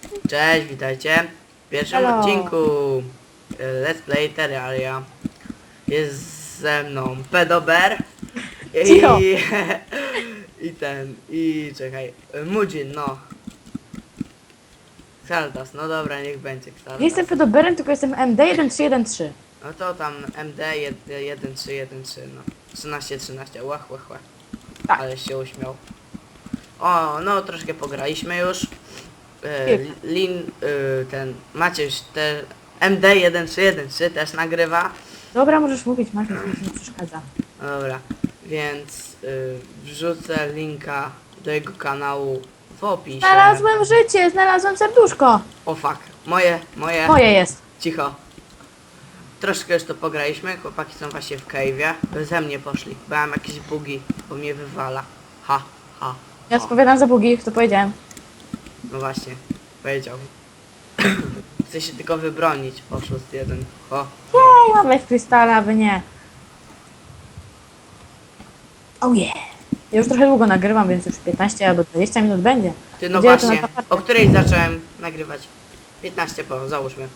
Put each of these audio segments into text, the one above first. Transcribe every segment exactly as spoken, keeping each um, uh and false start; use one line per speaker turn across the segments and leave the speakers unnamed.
Cześć, witajcie w pierwszym
Hello.
odcinku e, Let's Play Terraria. Jest ze mną Pedober
Cicho.
i, i ten, i czekaj, e, Mudzin, no. Xaldas, no dobra, niech będzie Xaldas.
Nie jestem Fedoberem, tylko jestem M D jeden trzy jeden trzy.
No to tam M D jeden trzy jeden trzy, no. trzynaście trzynaście, łach, łach, łach.
Tak.
Ale się uśmiał. O, no troszkę pograliśmy już. E,
Kilka.
Lin, e, ten, Maciuś, te M D jeden trzy jeden trzy też nagrywa.
Dobra, możesz mówić, Marcin, nic mi nie przeszkadza.
No dobra, więc y, wrzucę linka do jego kanału w opisie.
Znalazłem życie, znalazłem serduszko.
O fuck, moje, moje,
Moje jest.
cicho. Troszkę już to pograliśmy, chłopaki są właśnie w cave'ie. Ze mnie poszli, bo mam jakieś bugi, bo mnie wywala. Ha, ha,
Ja
ha.
odpowiadam za bugi, to powiedziałem.
No właśnie, powiedział. Chcę się tylko wybronić, oszust jeden. O,
Jej, mamy w krystale, a wy nie. Oh yeah. Ja już trochę długo nagrywam, więc już piętnaście albo dwadzieścia minut będzie.
ty no
Gdzie to
właśnie,
na tapetę?
o której zacząłem nagrywać? piętnaście po, załóżmy.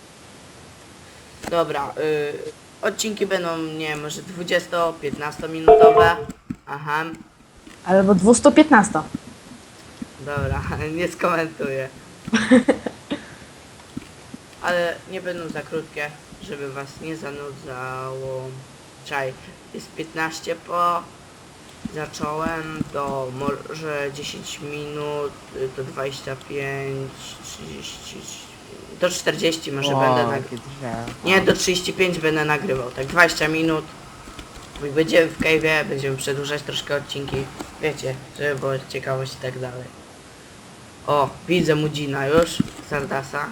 Dobra, y, odcinki będą, nie wiem, może dwudziesto-piętnasto minutowe. Aha,
Albo dwieście piętnaście.
dobra, nie skomentuję. Ale nie będą za krótkie, żeby was nie zanudzało. Czaj, jest piętnaście po. Zacząłem do może dziesięć minut, y, do dwadzieścia pięć, trzydzieści, do czterdziestu może będę nagrywał. Nie, do trzydziestu pięciu będę nagrywał, tak dwadzieścia minut. I będziemy w cave'ie, będziemy przedłużać troszkę odcinki, wiecie, żeby było ciekawość i tak dalej. O, widzę Mudzina już, Sardasa.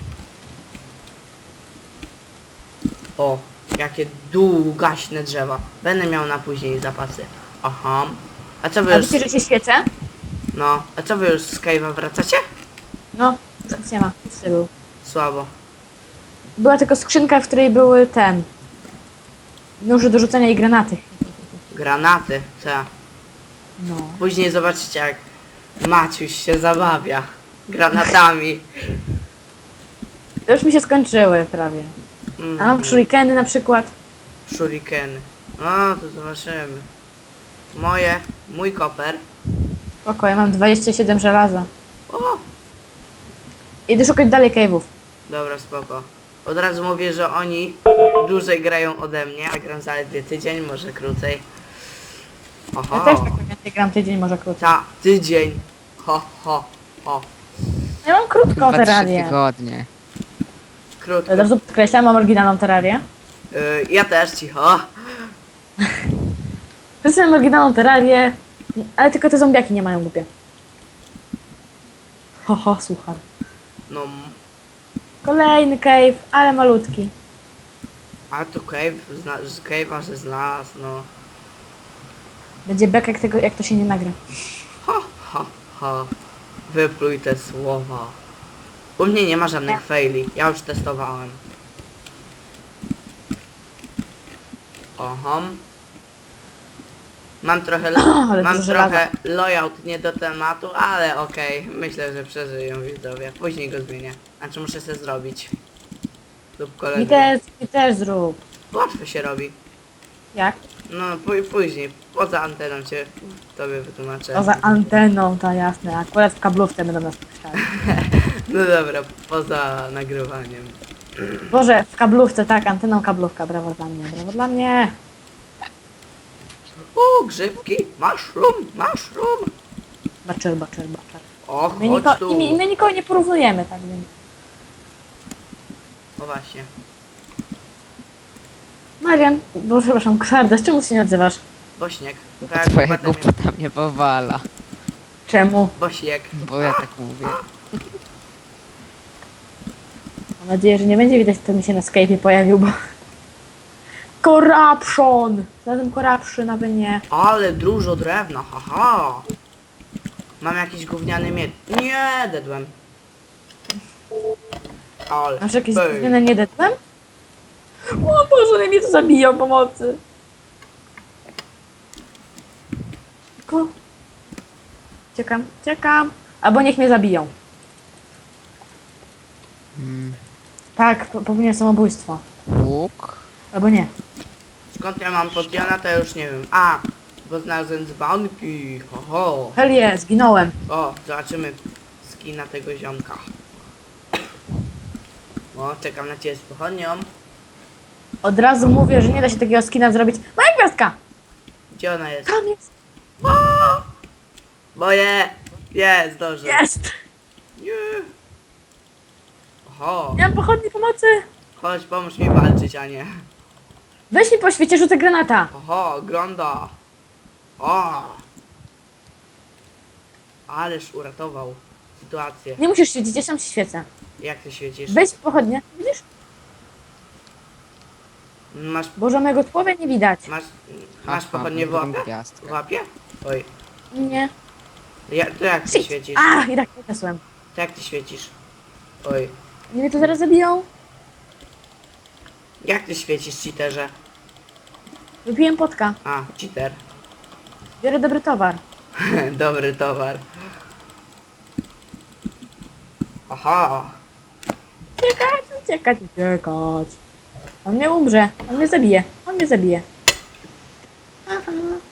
O, jakie długaśne drzewa. Będę miał na później zapasy. Aha. A co wy
A
już...
wiecie, że się świecę?
No, a co wy już z cave'a wracacie?
No, już nic nie ma. Nic nie był.
Słabo.
Była tylko skrzynka, w której były ten... nóże do rzucenia i granaty.
Granaty, co?
No.
Później zobaczycie jak Maciuś się zabawia granatami.
To już mi się skończyły prawie.
Mm,
A mam shurikeny na przykład.
Shurikeny. No, to zobaczymy. Moje, mój koper.
Spoko, ja mam dwadzieścia siedem żelaza.
O,
Idę szukać dalej cave'ów.
dobra, spoko. Od razu mówię, że oni dłużej grają ode mnie, a gram zaledwie tydzień, może krócej.
Ja
Oho,
też tak więcej gram tydzień, może krócej.
ta, tydzień. Ho, ho, ho.
Ja mam krótką
Chyba trzy
terrarię.
tygodnie.
Krótko.
Od razu podkreślam, mam oryginalną terrarię.
Y, ja też, cicho.
Wszyscy mam oryginalną terrarię, ale tylko te zombiaki nie mają głupie. Ho, ho, słucham.
No,
Kolejny cave, ale malutki.
a to cave, zna, z cave'a, że znalazł, no.
Będzie bek, jak, tego, jak to się nie nagra.
Ha, ha, ha. Wypluj te słowa. U mnie nie ma żadnych faili. Ja już testowałem. Oho. Mam trochę,
Ale
mam
dużo
trochę layout nie do tematu, ale okej. Myślę, że przeżyją widzowie. Później go zmienię. Znaczy muszę sobie zrobić. Lub kolegę.
Mi też, mi też zrób.
Łatwo się robi.
Jak?
No pó- później. Poza anteną cię tobie wytłumaczę.
Poza anteną, to jasne. Akurat w kablówce będą nas puszczali.
No dobra, poza nagrywaniem.
Boże, w kablówce, tak, anteną kablówka. Brawo dla mnie, brawo dla mnie.
O, grzybki, mushroom, mushroom.
Baczyr, baczyr, baczyr.
O,
My, niko,
chodź tu.
i my, my nikogo nie porównujemy, tak więc.
O właśnie.
Marian, bo przepraszam, Kwarda, z czemu się nie odzywasz?
Bośniak.
Bo
Tak,
twoja
potem-
głupota mnie powala.
Czemu?
Bośniak.
Bo ja tak mówię.
Mam nadzieję, że nie będzie widać, kto mi się na Skype'ie pojawił, bo... Corruption! Zatem corruption, aby nie.
Ale dużo drewna, haha. Mam jakiś gówniany miecz. Nie, dedłem. Ale.
Masz jakieś
pyk.
zmiany nie dedłem? O Boże, one mnie tu zabiją, pomocy! Ko. Ciekam, ciekam. Albo niech mnie zabiją. Tak, po- popełniłem samobójstwo.
Łuk.
Albo nie.
Skąd ja mam poddiana, to ja już nie wiem. A, bo znalazłem dzbanki. Ho, ho.
Hell yeah, zginąłem.
O, zobaczymy skina tego ziomka. O, czekam na ciebie z pochodnią.
Od razu mówię, że nie da się takiego skina zrobić. Moja gwiazdka!
Gdzie ona jest?
Tam jest!
Moje! Jest, dobrze.
Jest!
Nie. Oho,
Nie mam pochodni pomocy!
chodź, pomóż mi walczyć, a nie.
Weź mi po świecie, rzucę granata!
Oho, grąda. O! Ależ uratował sytuację.
Nie musisz świecić, ja sam się świecę.
Jak ty świecisz?
Weź pochodnie, widzisz?
Masz,
Boże, mojego tułowia nie widać.
masz, masz
Aha,
pochodnie w
drugą
łapie?
gwiazdkę.
W łapie? Oj.
Nie.
Ja, to jak ty
Shit!
świecisz?
A, i tak podniosłem.
To jak ty świecisz? Oj.
Nie mnie to zaraz zabiją.
Jak ty świecisz, cheaterze?
Wypiłem potka.
A, cheater.
Biorę dobry towar.
Dobry towar. Aha.
Uciekać, uciekać, uciekać. On mnie umrze. On mnie zabije. On mnie zabije. Aha.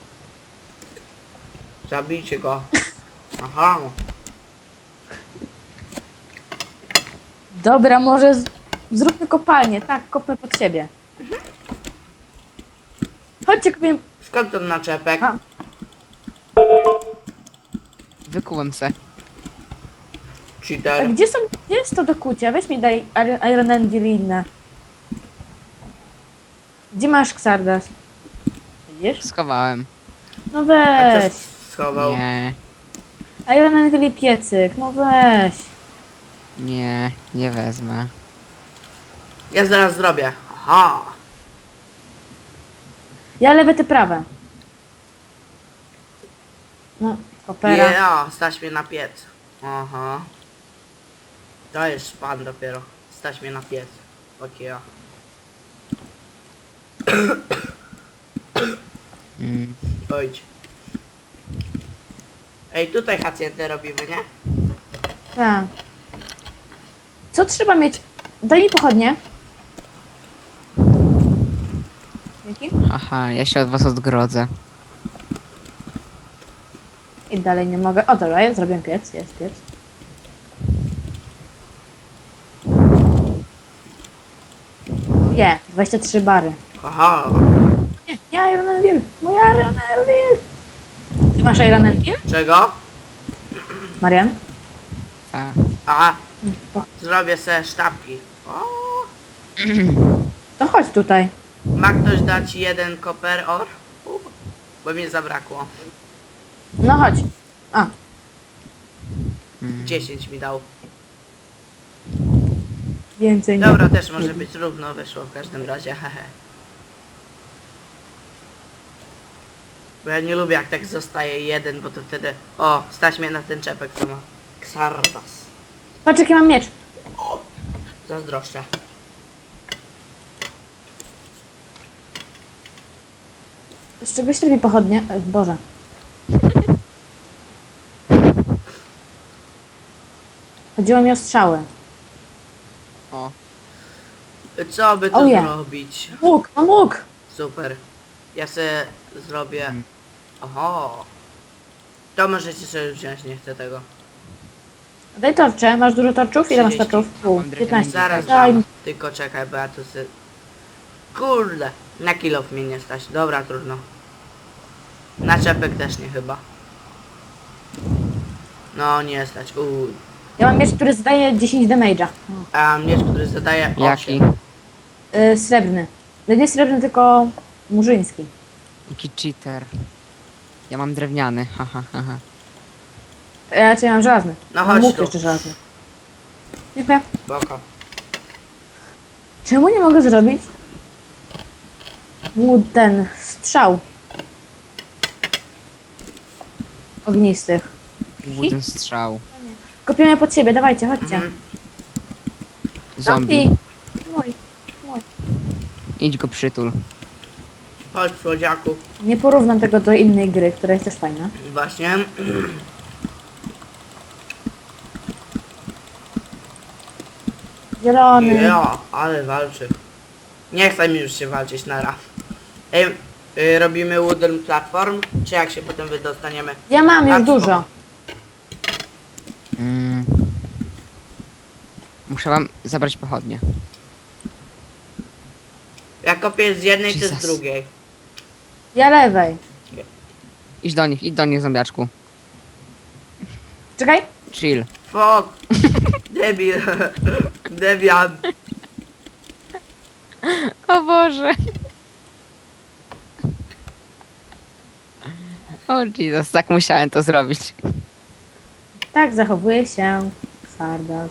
Zabijcie go. Aha.
Dobra, może z... zróbmy kopalnię. Tak, kopnę pod siebie. Chodźcie, kupię...
Skąd ten naczepek?
A.
Wykułem se.
A
Cheater.
gdzie są... Gdzie jest to do kucia? Weź mi daj Iron- Iron Anvil i inne. Gdzie masz Xardas? Widzisz?
Schowałem.
No
A
weź.
co schował?
Nie,
Iron Anvil i piecyk. No weź.
nie, nie wezmę.
Ja zaraz zrobię. Aha.
Ja lewe, ty prawe. No, kopera.
Ja, stać mnie na piec. Aha. To jest pan dopiero. Stać mnie na piec. Okej. Okay.
Mm.
Ojdź. Ej, tutaj hacjentę robimy, nie?
Tak. Co trzeba mieć? Daj mi pochodnie. Dzięki.
Aha, ja się od was odgrodzę.
I dalej nie mogę. O, dobra, ja zrobię piec. Jest piec. Nie, dwadzieścia trzy bary.
Aha.
Nie, nie Iron Anvil. Mój Iron Anvil. Ty masz Iron Anvil?
Czego?
Marian?
A,
A,
To,
zrobię se sztabki. O,
to chodź tutaj.
ma ktoś dać jeden koper or? U, bo mi zabrakło.
No chodź. A,
mm.
dziesięć mi dał.
więcej nie.
Dobra, też może być równo wyszło w każdym razie, hehe. Bo ja nie lubię jak tak zostaje jeden, bo to wtedy... O, stać mnie na ten czepek, co ma Xardas.
Patrz, jaki mam miecz.
Zazdroszczę.
Z czegoś robi pochodnie? E, Boże. Chodziło mi o strzały.
O,
Co by tu
Oh, yeah.
zrobić?
Łuk, mam łuk!
Super. Ja sobie zrobię...
Hmm.
Oho. To możecie sobie wziąć, nie chcę tego.
Daj torcze. Masz dużo torczów? Ile masz
trzydzieści.
torczów? Pół.
Mam
piętnaście.
Zaraz
Daj
dam.
mi.
Tylko czekaj, bo ja tu sobie... Kurde. Na kilof mnie nie stać. Dobra, trudno. Na czepek też nie chyba. No, nie stać. Uuu.
Ja mam miecz, który zdaje dziesięć damage'a.
A miecz, który zadaje
jaki?
osiem.
Yy, srebrny. No nie srebrny, tylko murzyński.
Jaki cheater. Ja mam drewniany, haha, haha.
Ja cię mam żelazny.
No
Mam
chodź
łuk
tu.
jeszcze żelazny. Dziękuję.
Boko.
Czemu nie mogę zrobić mu ten strzał ognistych?
Wooden strzał.
Kopiemy pod siebie, dawajcie, chodźcie.
Mhm.
Zombie.
Mój, mój.
Idź go przytul.
Chodź, słodziaku.
Nie porównam tego do innej gry, która jest też fajna.
Właśnie.
Zielony.
Ja, ale walczy. Nie chce mi już się walczyć na raz. Ej, y, robimy wooden platform, czy jak się potem wydostaniemy?
Ja mam już
A,
dużo.
Mm. Muszę wam zabrać pochodnie.
Ja kopię z jednej, ty z
Jesus.
drugiej.
Ja lewej.
Idź do nich, idź do nich, zombiaczku.
Czekaj.
Chill.
Fuck! Debil. Debian.
O Boże. O Jesus, tak musiałem to zrobić.
Tak zachowuje się Sardas.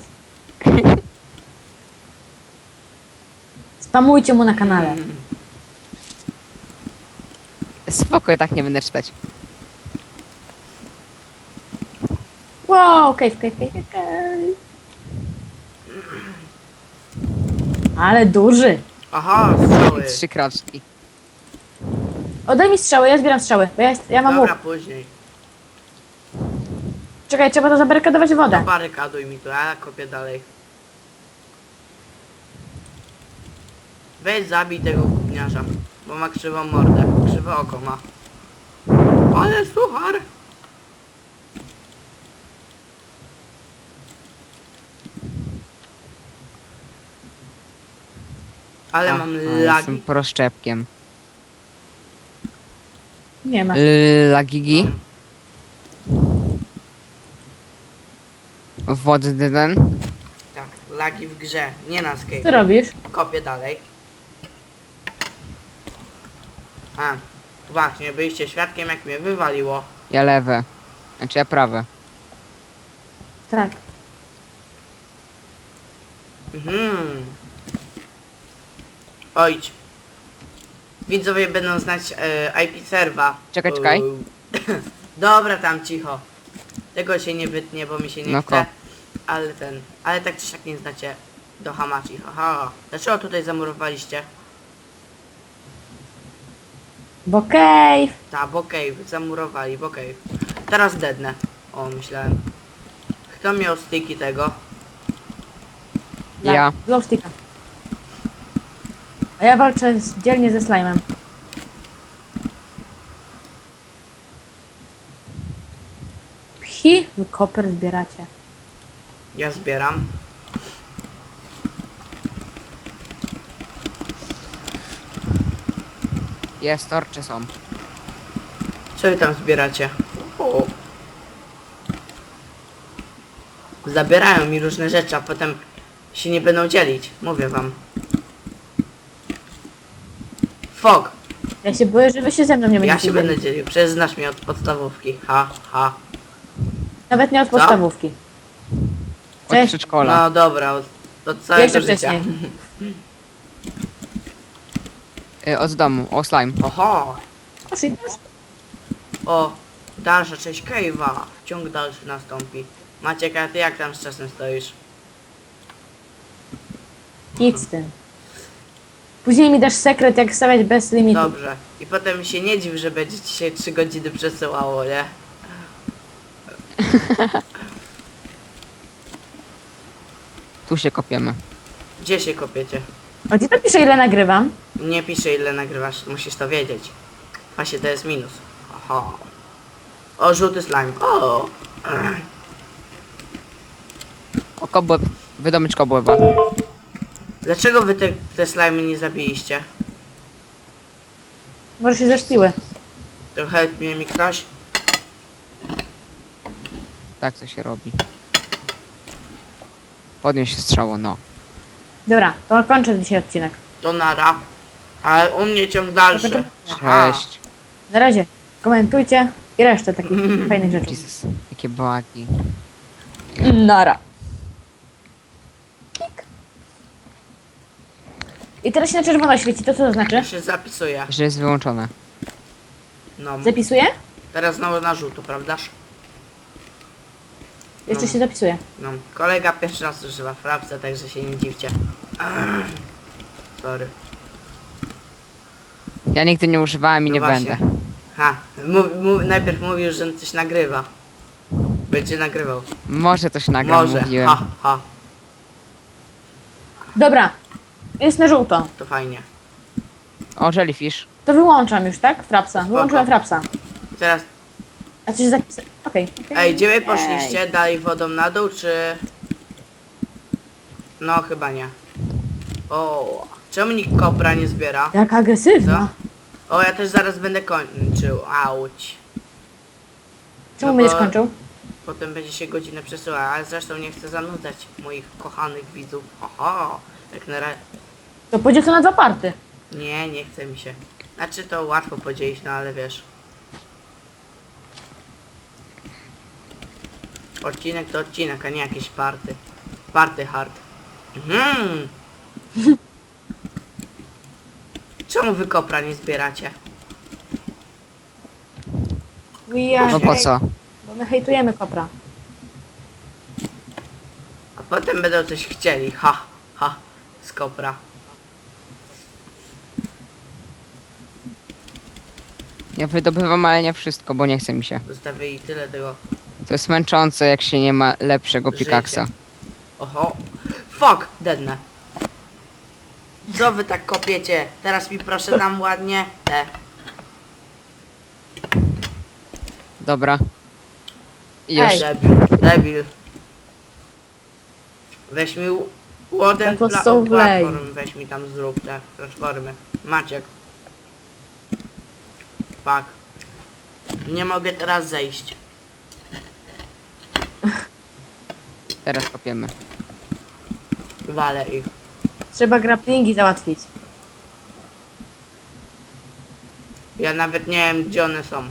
Spamujcie mu na kanale.
Spoko, tak nie będę czytać.
Wow, cave, cave, cave, cave, cave. Ale duży.
Aha, strzały.
Trzy kroczki.
Oddaj mi strzały, ja zbieram strzały. Bo ja, jest, ja mam łuk.
Dobra, później.
Czekaj, trzeba to zabarykadować wodę.
Zabarykaduj mi to, ja kopię dalej. Weź zabij tego gówniarza, bo ma krzywą mordę, krzywe oko ma. Ale suchar! Ale
A,
mam
a, Jestem
lagi.
proszczepkiem.
Nie ma.
Lagigi? Wodny ten?
Tak, lagi w grze, nie na
Co
skate.
robisz?
Kopię dalej. A, właśnie, byliście świadkiem jak mnie wywaliło.
Ja lewe. Znaczy ja prawe.
Tak.
Mhm. Ojdź. Widzowie będą znać e, I P serwa.
Czekaj, czekaj.
Uuu. Dobra, tam cicho. Tego się nie wytnie, bo mi się nie
No
chce.
ko.
Ale ten, ale tak czy siak nie znacie do Hamachi. Haha. Dlaczego tutaj zamurowaliście?
Bo cave.
Ta, bo cave, zamurowali, bo cave. Teraz dednę. O, myślałem. Kto miał styki tego?
Ja.
Glowsticka. A ja walczę z, dzielnie ze slime'em. Pchi, wy koper zbieracie.
Ja zbieram.
Jest, torcze są.
Co wy tam zbieracie? O. Zabierają mi różne rzeczy, a potem się nie będą dzielić. Mówię wam. Fok,
Ja się boję, że wy się ze mną nie
ja
będziecie
się będę
dzielić.
dzielił. Przecież znasz mnie od podstawówki. Ha, ha.
Nawet nie od
Co?
podstawówki.
Od
Cześć.
przedszkola.
No dobra, od, od całego
Jeszcze
życia.
wcześniej.
Y, od domu. O, slime.
Oho.
Proszę,
O, dalsza część cave'a. Ciąg dalszy nastąpi. Maciek, a ty jak tam z czasem stoisz?
idź z tym. Później mi dasz sekret, jak stawiać bez limitu.
Dobrze. I potem się nie dziw, że będzie ci się trzy godziny przesyłało, nie?
Tu się kopiemy.
Gdzie się kopiecie?
A gdzie to pisze, ile nagrywam?
Nie piszę ile nagrywasz, musisz to wiedzieć. Właśnie to jest minus. Aha. O, żółty slime. O!
O, kobłeb. Wydomycz kobłeba.
Dlaczego wy te, te slimy nie zabiliście?
Może się zeszpiły.
To help mnie mi ktoś?
Tak to się robi. Podnieś strzało, no.
Dobra, to kończę dzisiaj odcinek.
To nara. Ale u mnie ciąg dalszy. Aha.
Cześć.
Na razie. Komentujcie i resztę takich fajnych rzeczy.
Jesus. Jakie błagi.
Nara. I teraz się na czerwono świeci, to co to znaczy?
Ja się zapisuję.
Że jest wyłączone.
No.
Zapisuję?
Teraz znowu na żółto, prawdaż?
Jeszcze
No.
się zapisuje.
No. Kolega pierwszy raz używa frapsa, także się nie dziwcie. Sorry.
Ja nigdy nie używałem i
No
nie
właśnie.
będę.
Ha, mów, mów, najpierw mówił, że coś nagrywa. Będzie nagrywał.
Może coś nagram,
Może,
mówiłem.
ha, ha.
Dobra. Jest na żółto.
To fajnie.
O, jellyfish.
To wyłączam już, tak? Frapsa. Wyłączyłem frapsa.
Teraz,
A coś zapis... Okej. Okay.
ej, gdzie wy poszliście? Dalej wodą na dół, czy... No, chyba nie. O, czemu nikt kopra nie zbiera?
Jak agresywna.
O, ja też zaraz będę kończył. Auć.
Czemu
No
będziesz
bo-
kończył?
Potem będzie się godzinę przesyłała, ale zresztą nie chcę zanudzać moich kochanych widzów. Oho, jak na razie...
To podziel to na dwa party.
Nie, nie chce mi się. Znaczy to łatwo podzielić, no ale wiesz. Odcinek to odcinek, a nie jakieś party. Party hard. Mhm. Czemu wy kopra nie zbieracie?
We are
No po co?
Bo my hejtujemy kopra.
A potem będą coś chcieli. Ha, ha, z kopra.
Ja wydobywam, ale nie wszystko, bo nie chce mi się.
Zostawili tyle tego
To jest męczące, jak się nie ma lepszego
życia.
pikaksa.
Oho. Fuck, dednę. Co wy tak kopiecie? Teraz mi proszę tam ładnie. Te.
Dobra. I już.
Ej.
Debil, debil. Weź mi łoden
To
pla
są wlej.
platform, weź mi tam zrób te platformy. Maciek. Fuck. Nie mogę teraz zejść.
Teraz kopiemy.
Walę ich.
Trzeba grapplingi załatwić.
Ja nawet nie wiem gdzie one są.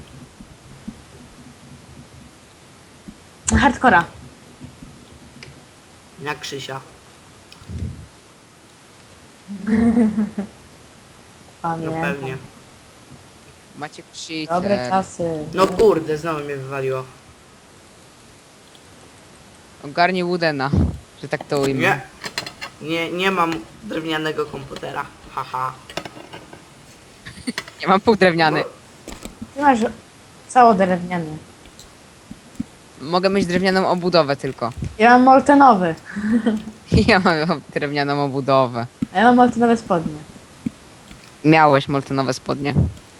Na hardcora.
Jak Krzysia. No
Pamiętam.
pewnie.
Macie cheater.
Dobre czasy.
No kurde, znowu mnie wywaliło.
Ogarnij Woodena, że tak to ujmę.
Nie. Nie, nie mam drewnianego komputera. Haha.
Nie mam pół drewniany.
Ty masz cało drewniany.
Mogę mieć drewnianą obudowę tylko.
Ja mam moltenowy.
Ja mam drewnianą obudowę.
A ja mam moltenowe spodnie.
Miałeś moltenowe spodnie.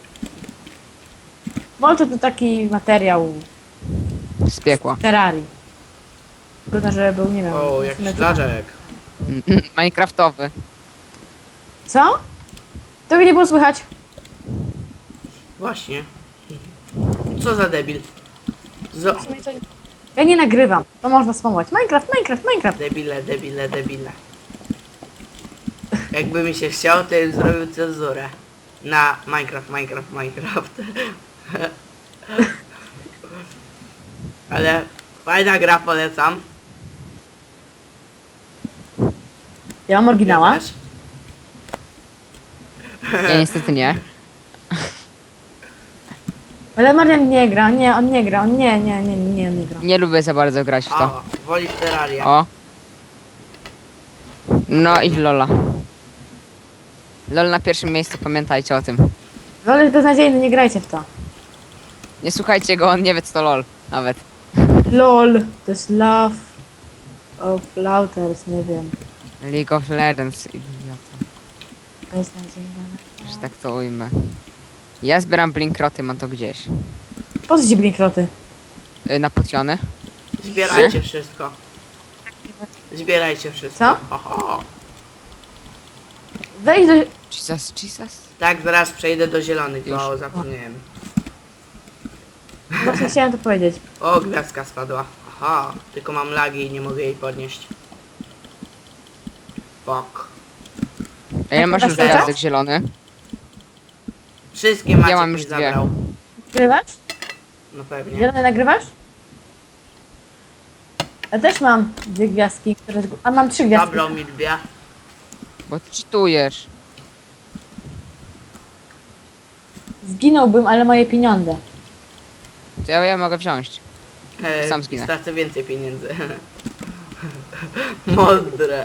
Molto to taki materiał
Z piekła.
terrarii. Trudno, żeby był, nie wiem.
O, jak szlaczek.
Minecraftowy.
Co? Tego nie było słychać.
Właśnie. Co za debil. Zo
W sumie to... Ja nie nagrywam. To można spamować. Minecraft, Minecraft, Minecraft.
debile, debile, debile. Jakby mi się chciał, to bym zrobił cenzurę. Na Minecraft, Minecraft, Minecraft. Ale fajna gra, polecam.
Ja mam oryginała.
Ja też.
Ja niestety nie.
Ale Marian nie gra, nie, on nie gra, on nie, nie, nie, nie, on nie gra.
Nie lubię za bardzo grać w to.
O, woli Terraria.
O. No i w Lola. Lol na pierwszym miejscu, pamiętajcie o tym.
Wolę jest beznadziejny, nie grajcie w to.
Nie słuchajcie go, on nie wie co to Lol. Nawet.
LOL, to jest Love of Louters, nie wiem.
League of Legends, idiota.
Beznadziejna.
Że tak to ujmę. Ja zbieram blinkroty, mam to gdzieś.
Po co ci blinkroty?
Y, na potiony.
Zbierajcie wszystko. Zbierajcie wszystko.
Co?
Oho.
Wejdź do...
Jesus, Jesus.
Tak, zaraz przejdę do zielonych,
Już.
bo zapomniałem.
Właśnie chciałem to powiedzieć.
O, gwiazdka spadła. Aha, tylko mam lagi i nie mogę jej podnieść. Fuck.
A ile masz już
Nagrywasz
gwiazdek zielony?
Wszystkie Maciek
mam
mi
już dwie.
zabrał.
Nagrywasz?
No pewnie.
Zielony nagrywasz? Ja też mam dwie gwiazdki, które... zgu- A mam trzy gwiazdki.
Zabrał mi dwie.
Bo ty cheatujesz.
Zginąłbym, ale moje pieniądze.
To ja, ja mogę wziąć.
E,
Sam zginę.
Stracę więcej pieniędzy. Mądre.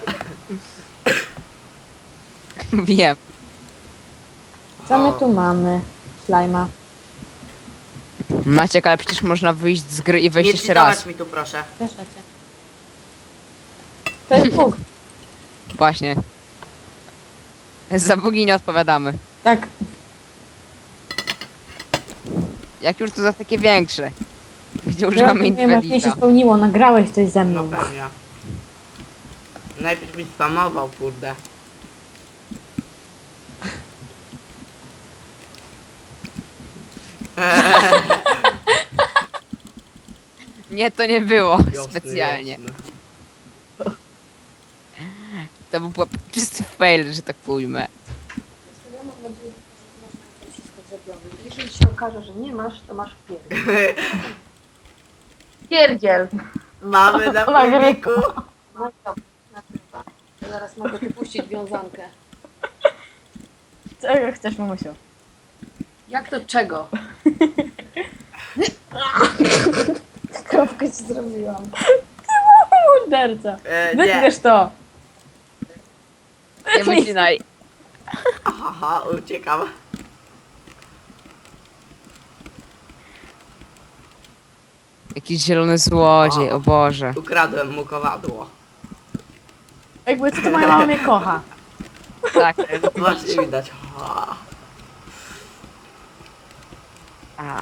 Wiem.
Co my
O.
tu mamy? Slajma.
Maciek, ale przecież można wyjść z gry i wejść
Nie
jeszcze raz.
czytawać mi tu proszę.
Proszę cię. To jest Bóg.
Właśnie. Za bugi nie odpowiadamy.
Tak,
Jak już to za takie większe. Gdzie
ja
używamy
nie wiem, jak mnie się
Infelita.
spełniło, nagrałeś coś ze
No
mną.
pewnie. Najpierw mi spamował, kurde.
Nie, to nie było
Jasne,
specjalnie.
jasne.
To był po- czysty fail, że tak pójmę.
Jeżeli się okaże, że nie masz, to masz pierdziel. Pierdziel!
Mamy na
Nagrywa.
filmiku.
No i dobra, nagrywa. Zaraz mogę tu puścić wiązankę.
Czego chcesz, mamusiu?
Jak to czego?
Kropkę ci zrobiłam. Morderca.
E, nie.
Wytniesz to.
Nie wycinaj.
Aha, uciekam.
Jakiś zielony złodziej, o Boże.
Ukradłem mu kowadło.
Jakby co to moja mama mnie kocha.
Tak.
Właśnie widać. Ha.
A.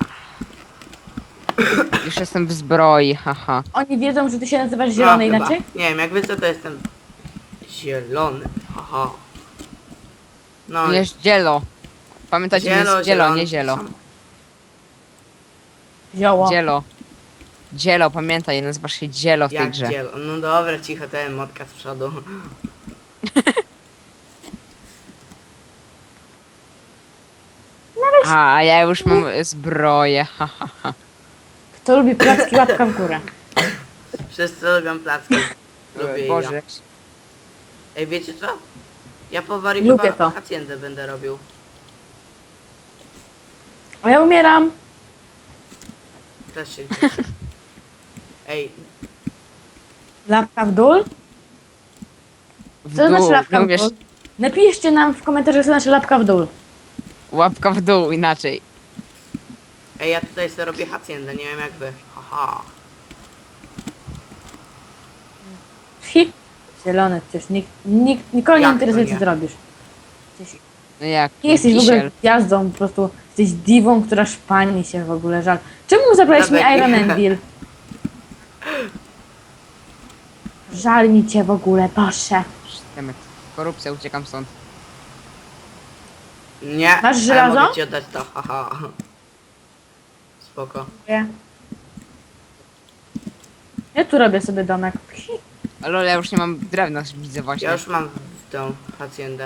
Już jestem w zbroi, haha.
Oni wiedzą, że ty się nazywasz zielony
No, chyba.
inaczej?
Nie wiem, jak wy co to jestem zielony. Haha. No,
Nie zielo. Pamiętajcie, że jest zielo, nie zielo.
sam.
Zioło.
Dzielo. Dzielo, pamiętaj, nazywasz się Dzielo w tej
Jak
grze.
zielo. No dobra, cicho, ten motka z przodu.
A, a ja już mam zbroję, haha. Ha, ha.
Kto lubi placki, łapka w górę.
Wszyscy lubią placki. Lubię
Boże.
ja. Ej, wiecie co? Ja po warii
Lubię
chyba
to.
hacjendę będę robił.
A ja umieram.
Też się cieszę. Ej,
Łapka w dół?
W
Co to znaczy
dół,
łapka
nie
w
umiesz...
dół? Napiszcie nam w komentarzach, co znaczy łapka w dół.
Łapka w dół, inaczej.
ej, ja tutaj sobie robię hacjendę, nie wiem jak wy. Haha.
Hi. Zielony, przecież nikt, nikt, nikogo nie
Jak to
interesuje, co
nie?
ty robisz.
No jak?
Nie jesteś w ogóle
Kisiel.
gwiazdą, po prostu jesteś diwą, która szpani się w ogóle, żal. Czemu zabrałeś mi
Dobra,
Iron
nie.
Anvil? Żal mi cię w ogóle, Boże.
Temat. Korupcja, uciekam stąd.
Nie,
Masz
a
żelazo?
ja mogę ci oddać to, haha. Spoko.
Nie. Ja tu robię sobie domek. Hi.
Ale ja już nie mam drewna, widzę właśnie.
Ja już mam tą hacjendę.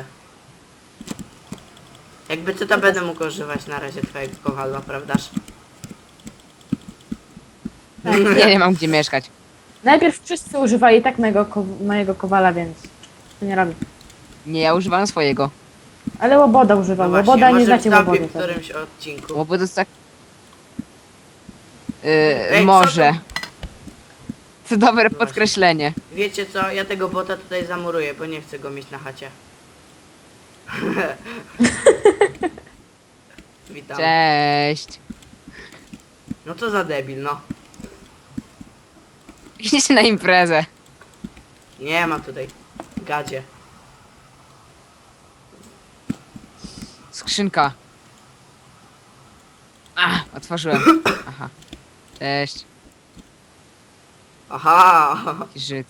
Jakby co to będę mógł używać na razie twojego kowadła, prawdaż?
Ja nie mam gdzie mieszkać.
Najpierw wszyscy używali tak mojego, ko mojego kowala, więc to nie robię.
Nie, ja używam swojego.
Ale Łoboda używał.
No właśnie,
Łoboda nie
może
znacie
wstąpię
Łobody.
w którymś odcinku.
Bo to jest tak... Yy,
Ej, co
może.
to?
To dobre
Właśnie.
podkreślenie.
Wiecie co, ja tego bota tutaj zamuruję, bo nie chcę go mieć na chacie. Witam.
Cześć.
No co za debil, no.
Idźcie na imprezę.
Nie ma tutaj. Gadzie.
Skrzynka. A, otworzyłem. Aha. Cześć.
Aha!
Jaki Żyd.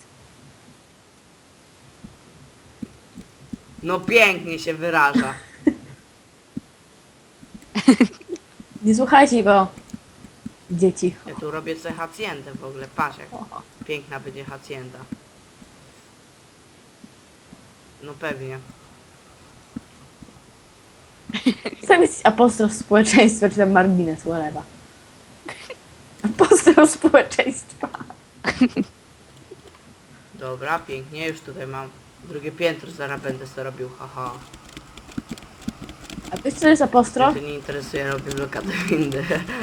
No pięknie się wyraża.
Nie słuchajcie go. Dzieci.
Ja tu robię sobie hacjendę w ogóle, patrz jak piękna będzie hacjenda. No pewnie.
Sam jest apostrof społeczeństwa, czy tam margines, whatever. Apostrof społeczeństwa.
Dobra, pięknie, już tutaj mam drugie piętro, zaraz będę sobie robił, haha.
A wiesz co jest
Mnie
apostrof?
to nie interesuje, robię blokadę windy.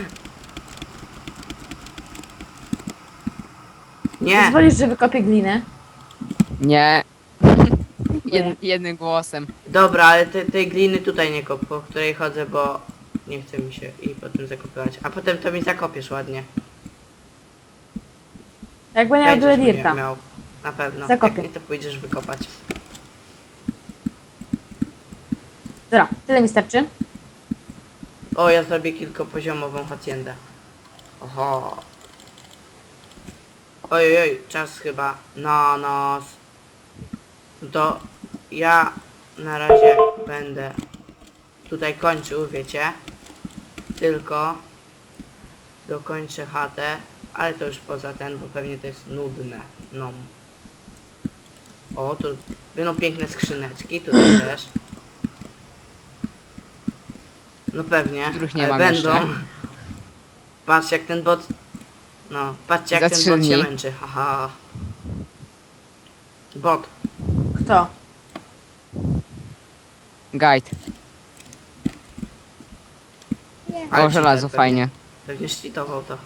Nie!
Pozwolisz, że wykopię glinę?
Nie. Jed, jednym głosem.
Dobra, ale te, tej gliny tutaj nie kop, po której chodzę, bo nie chce mi się i potem zakopywać. A potem to mi zakopiesz ładnie.
Jakby nie
Będziesz
miał
mnie
dirta.
miał. Na pewno.
Zakopię.
Jak nie, to pójdziesz wykopać.
Dobra, tyle mi starczy.
O, ja zrobię kilkopoziomową haciendę. Oho. Oj, oj, czas chyba na nas. No to ja na razie będę tutaj kończył, wiecie. Tylko dokończę chatę, ale to już poza ten, bo pewnie to jest nudne. No. O, tu będą piękne skrzyneczki, tutaj też. No pewnie,
Których nie
ale
mam
będą.
jeszcze.
Patrz jak ten bot... No, patrzcie jak
Za
ten
trzy
bot się
dni.
męczy, haha. Bot.
Kto?
Guide.
Ale
O, żelazo,
cheater
fajnie.
Pewnie szlitował to.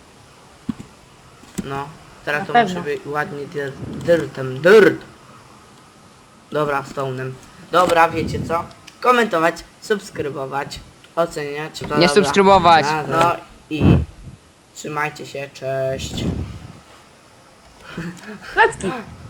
No, teraz
Na
to
pewno.
muszę być ładnie dir dirtem, dirt. Dobra, stone'em. Dobra, wiecie co? Komentować, subskrybować, oceniać. bla,
Nie
bla, bla.
subskrybować.
No i trzymajcie się, cześć.
Klecki.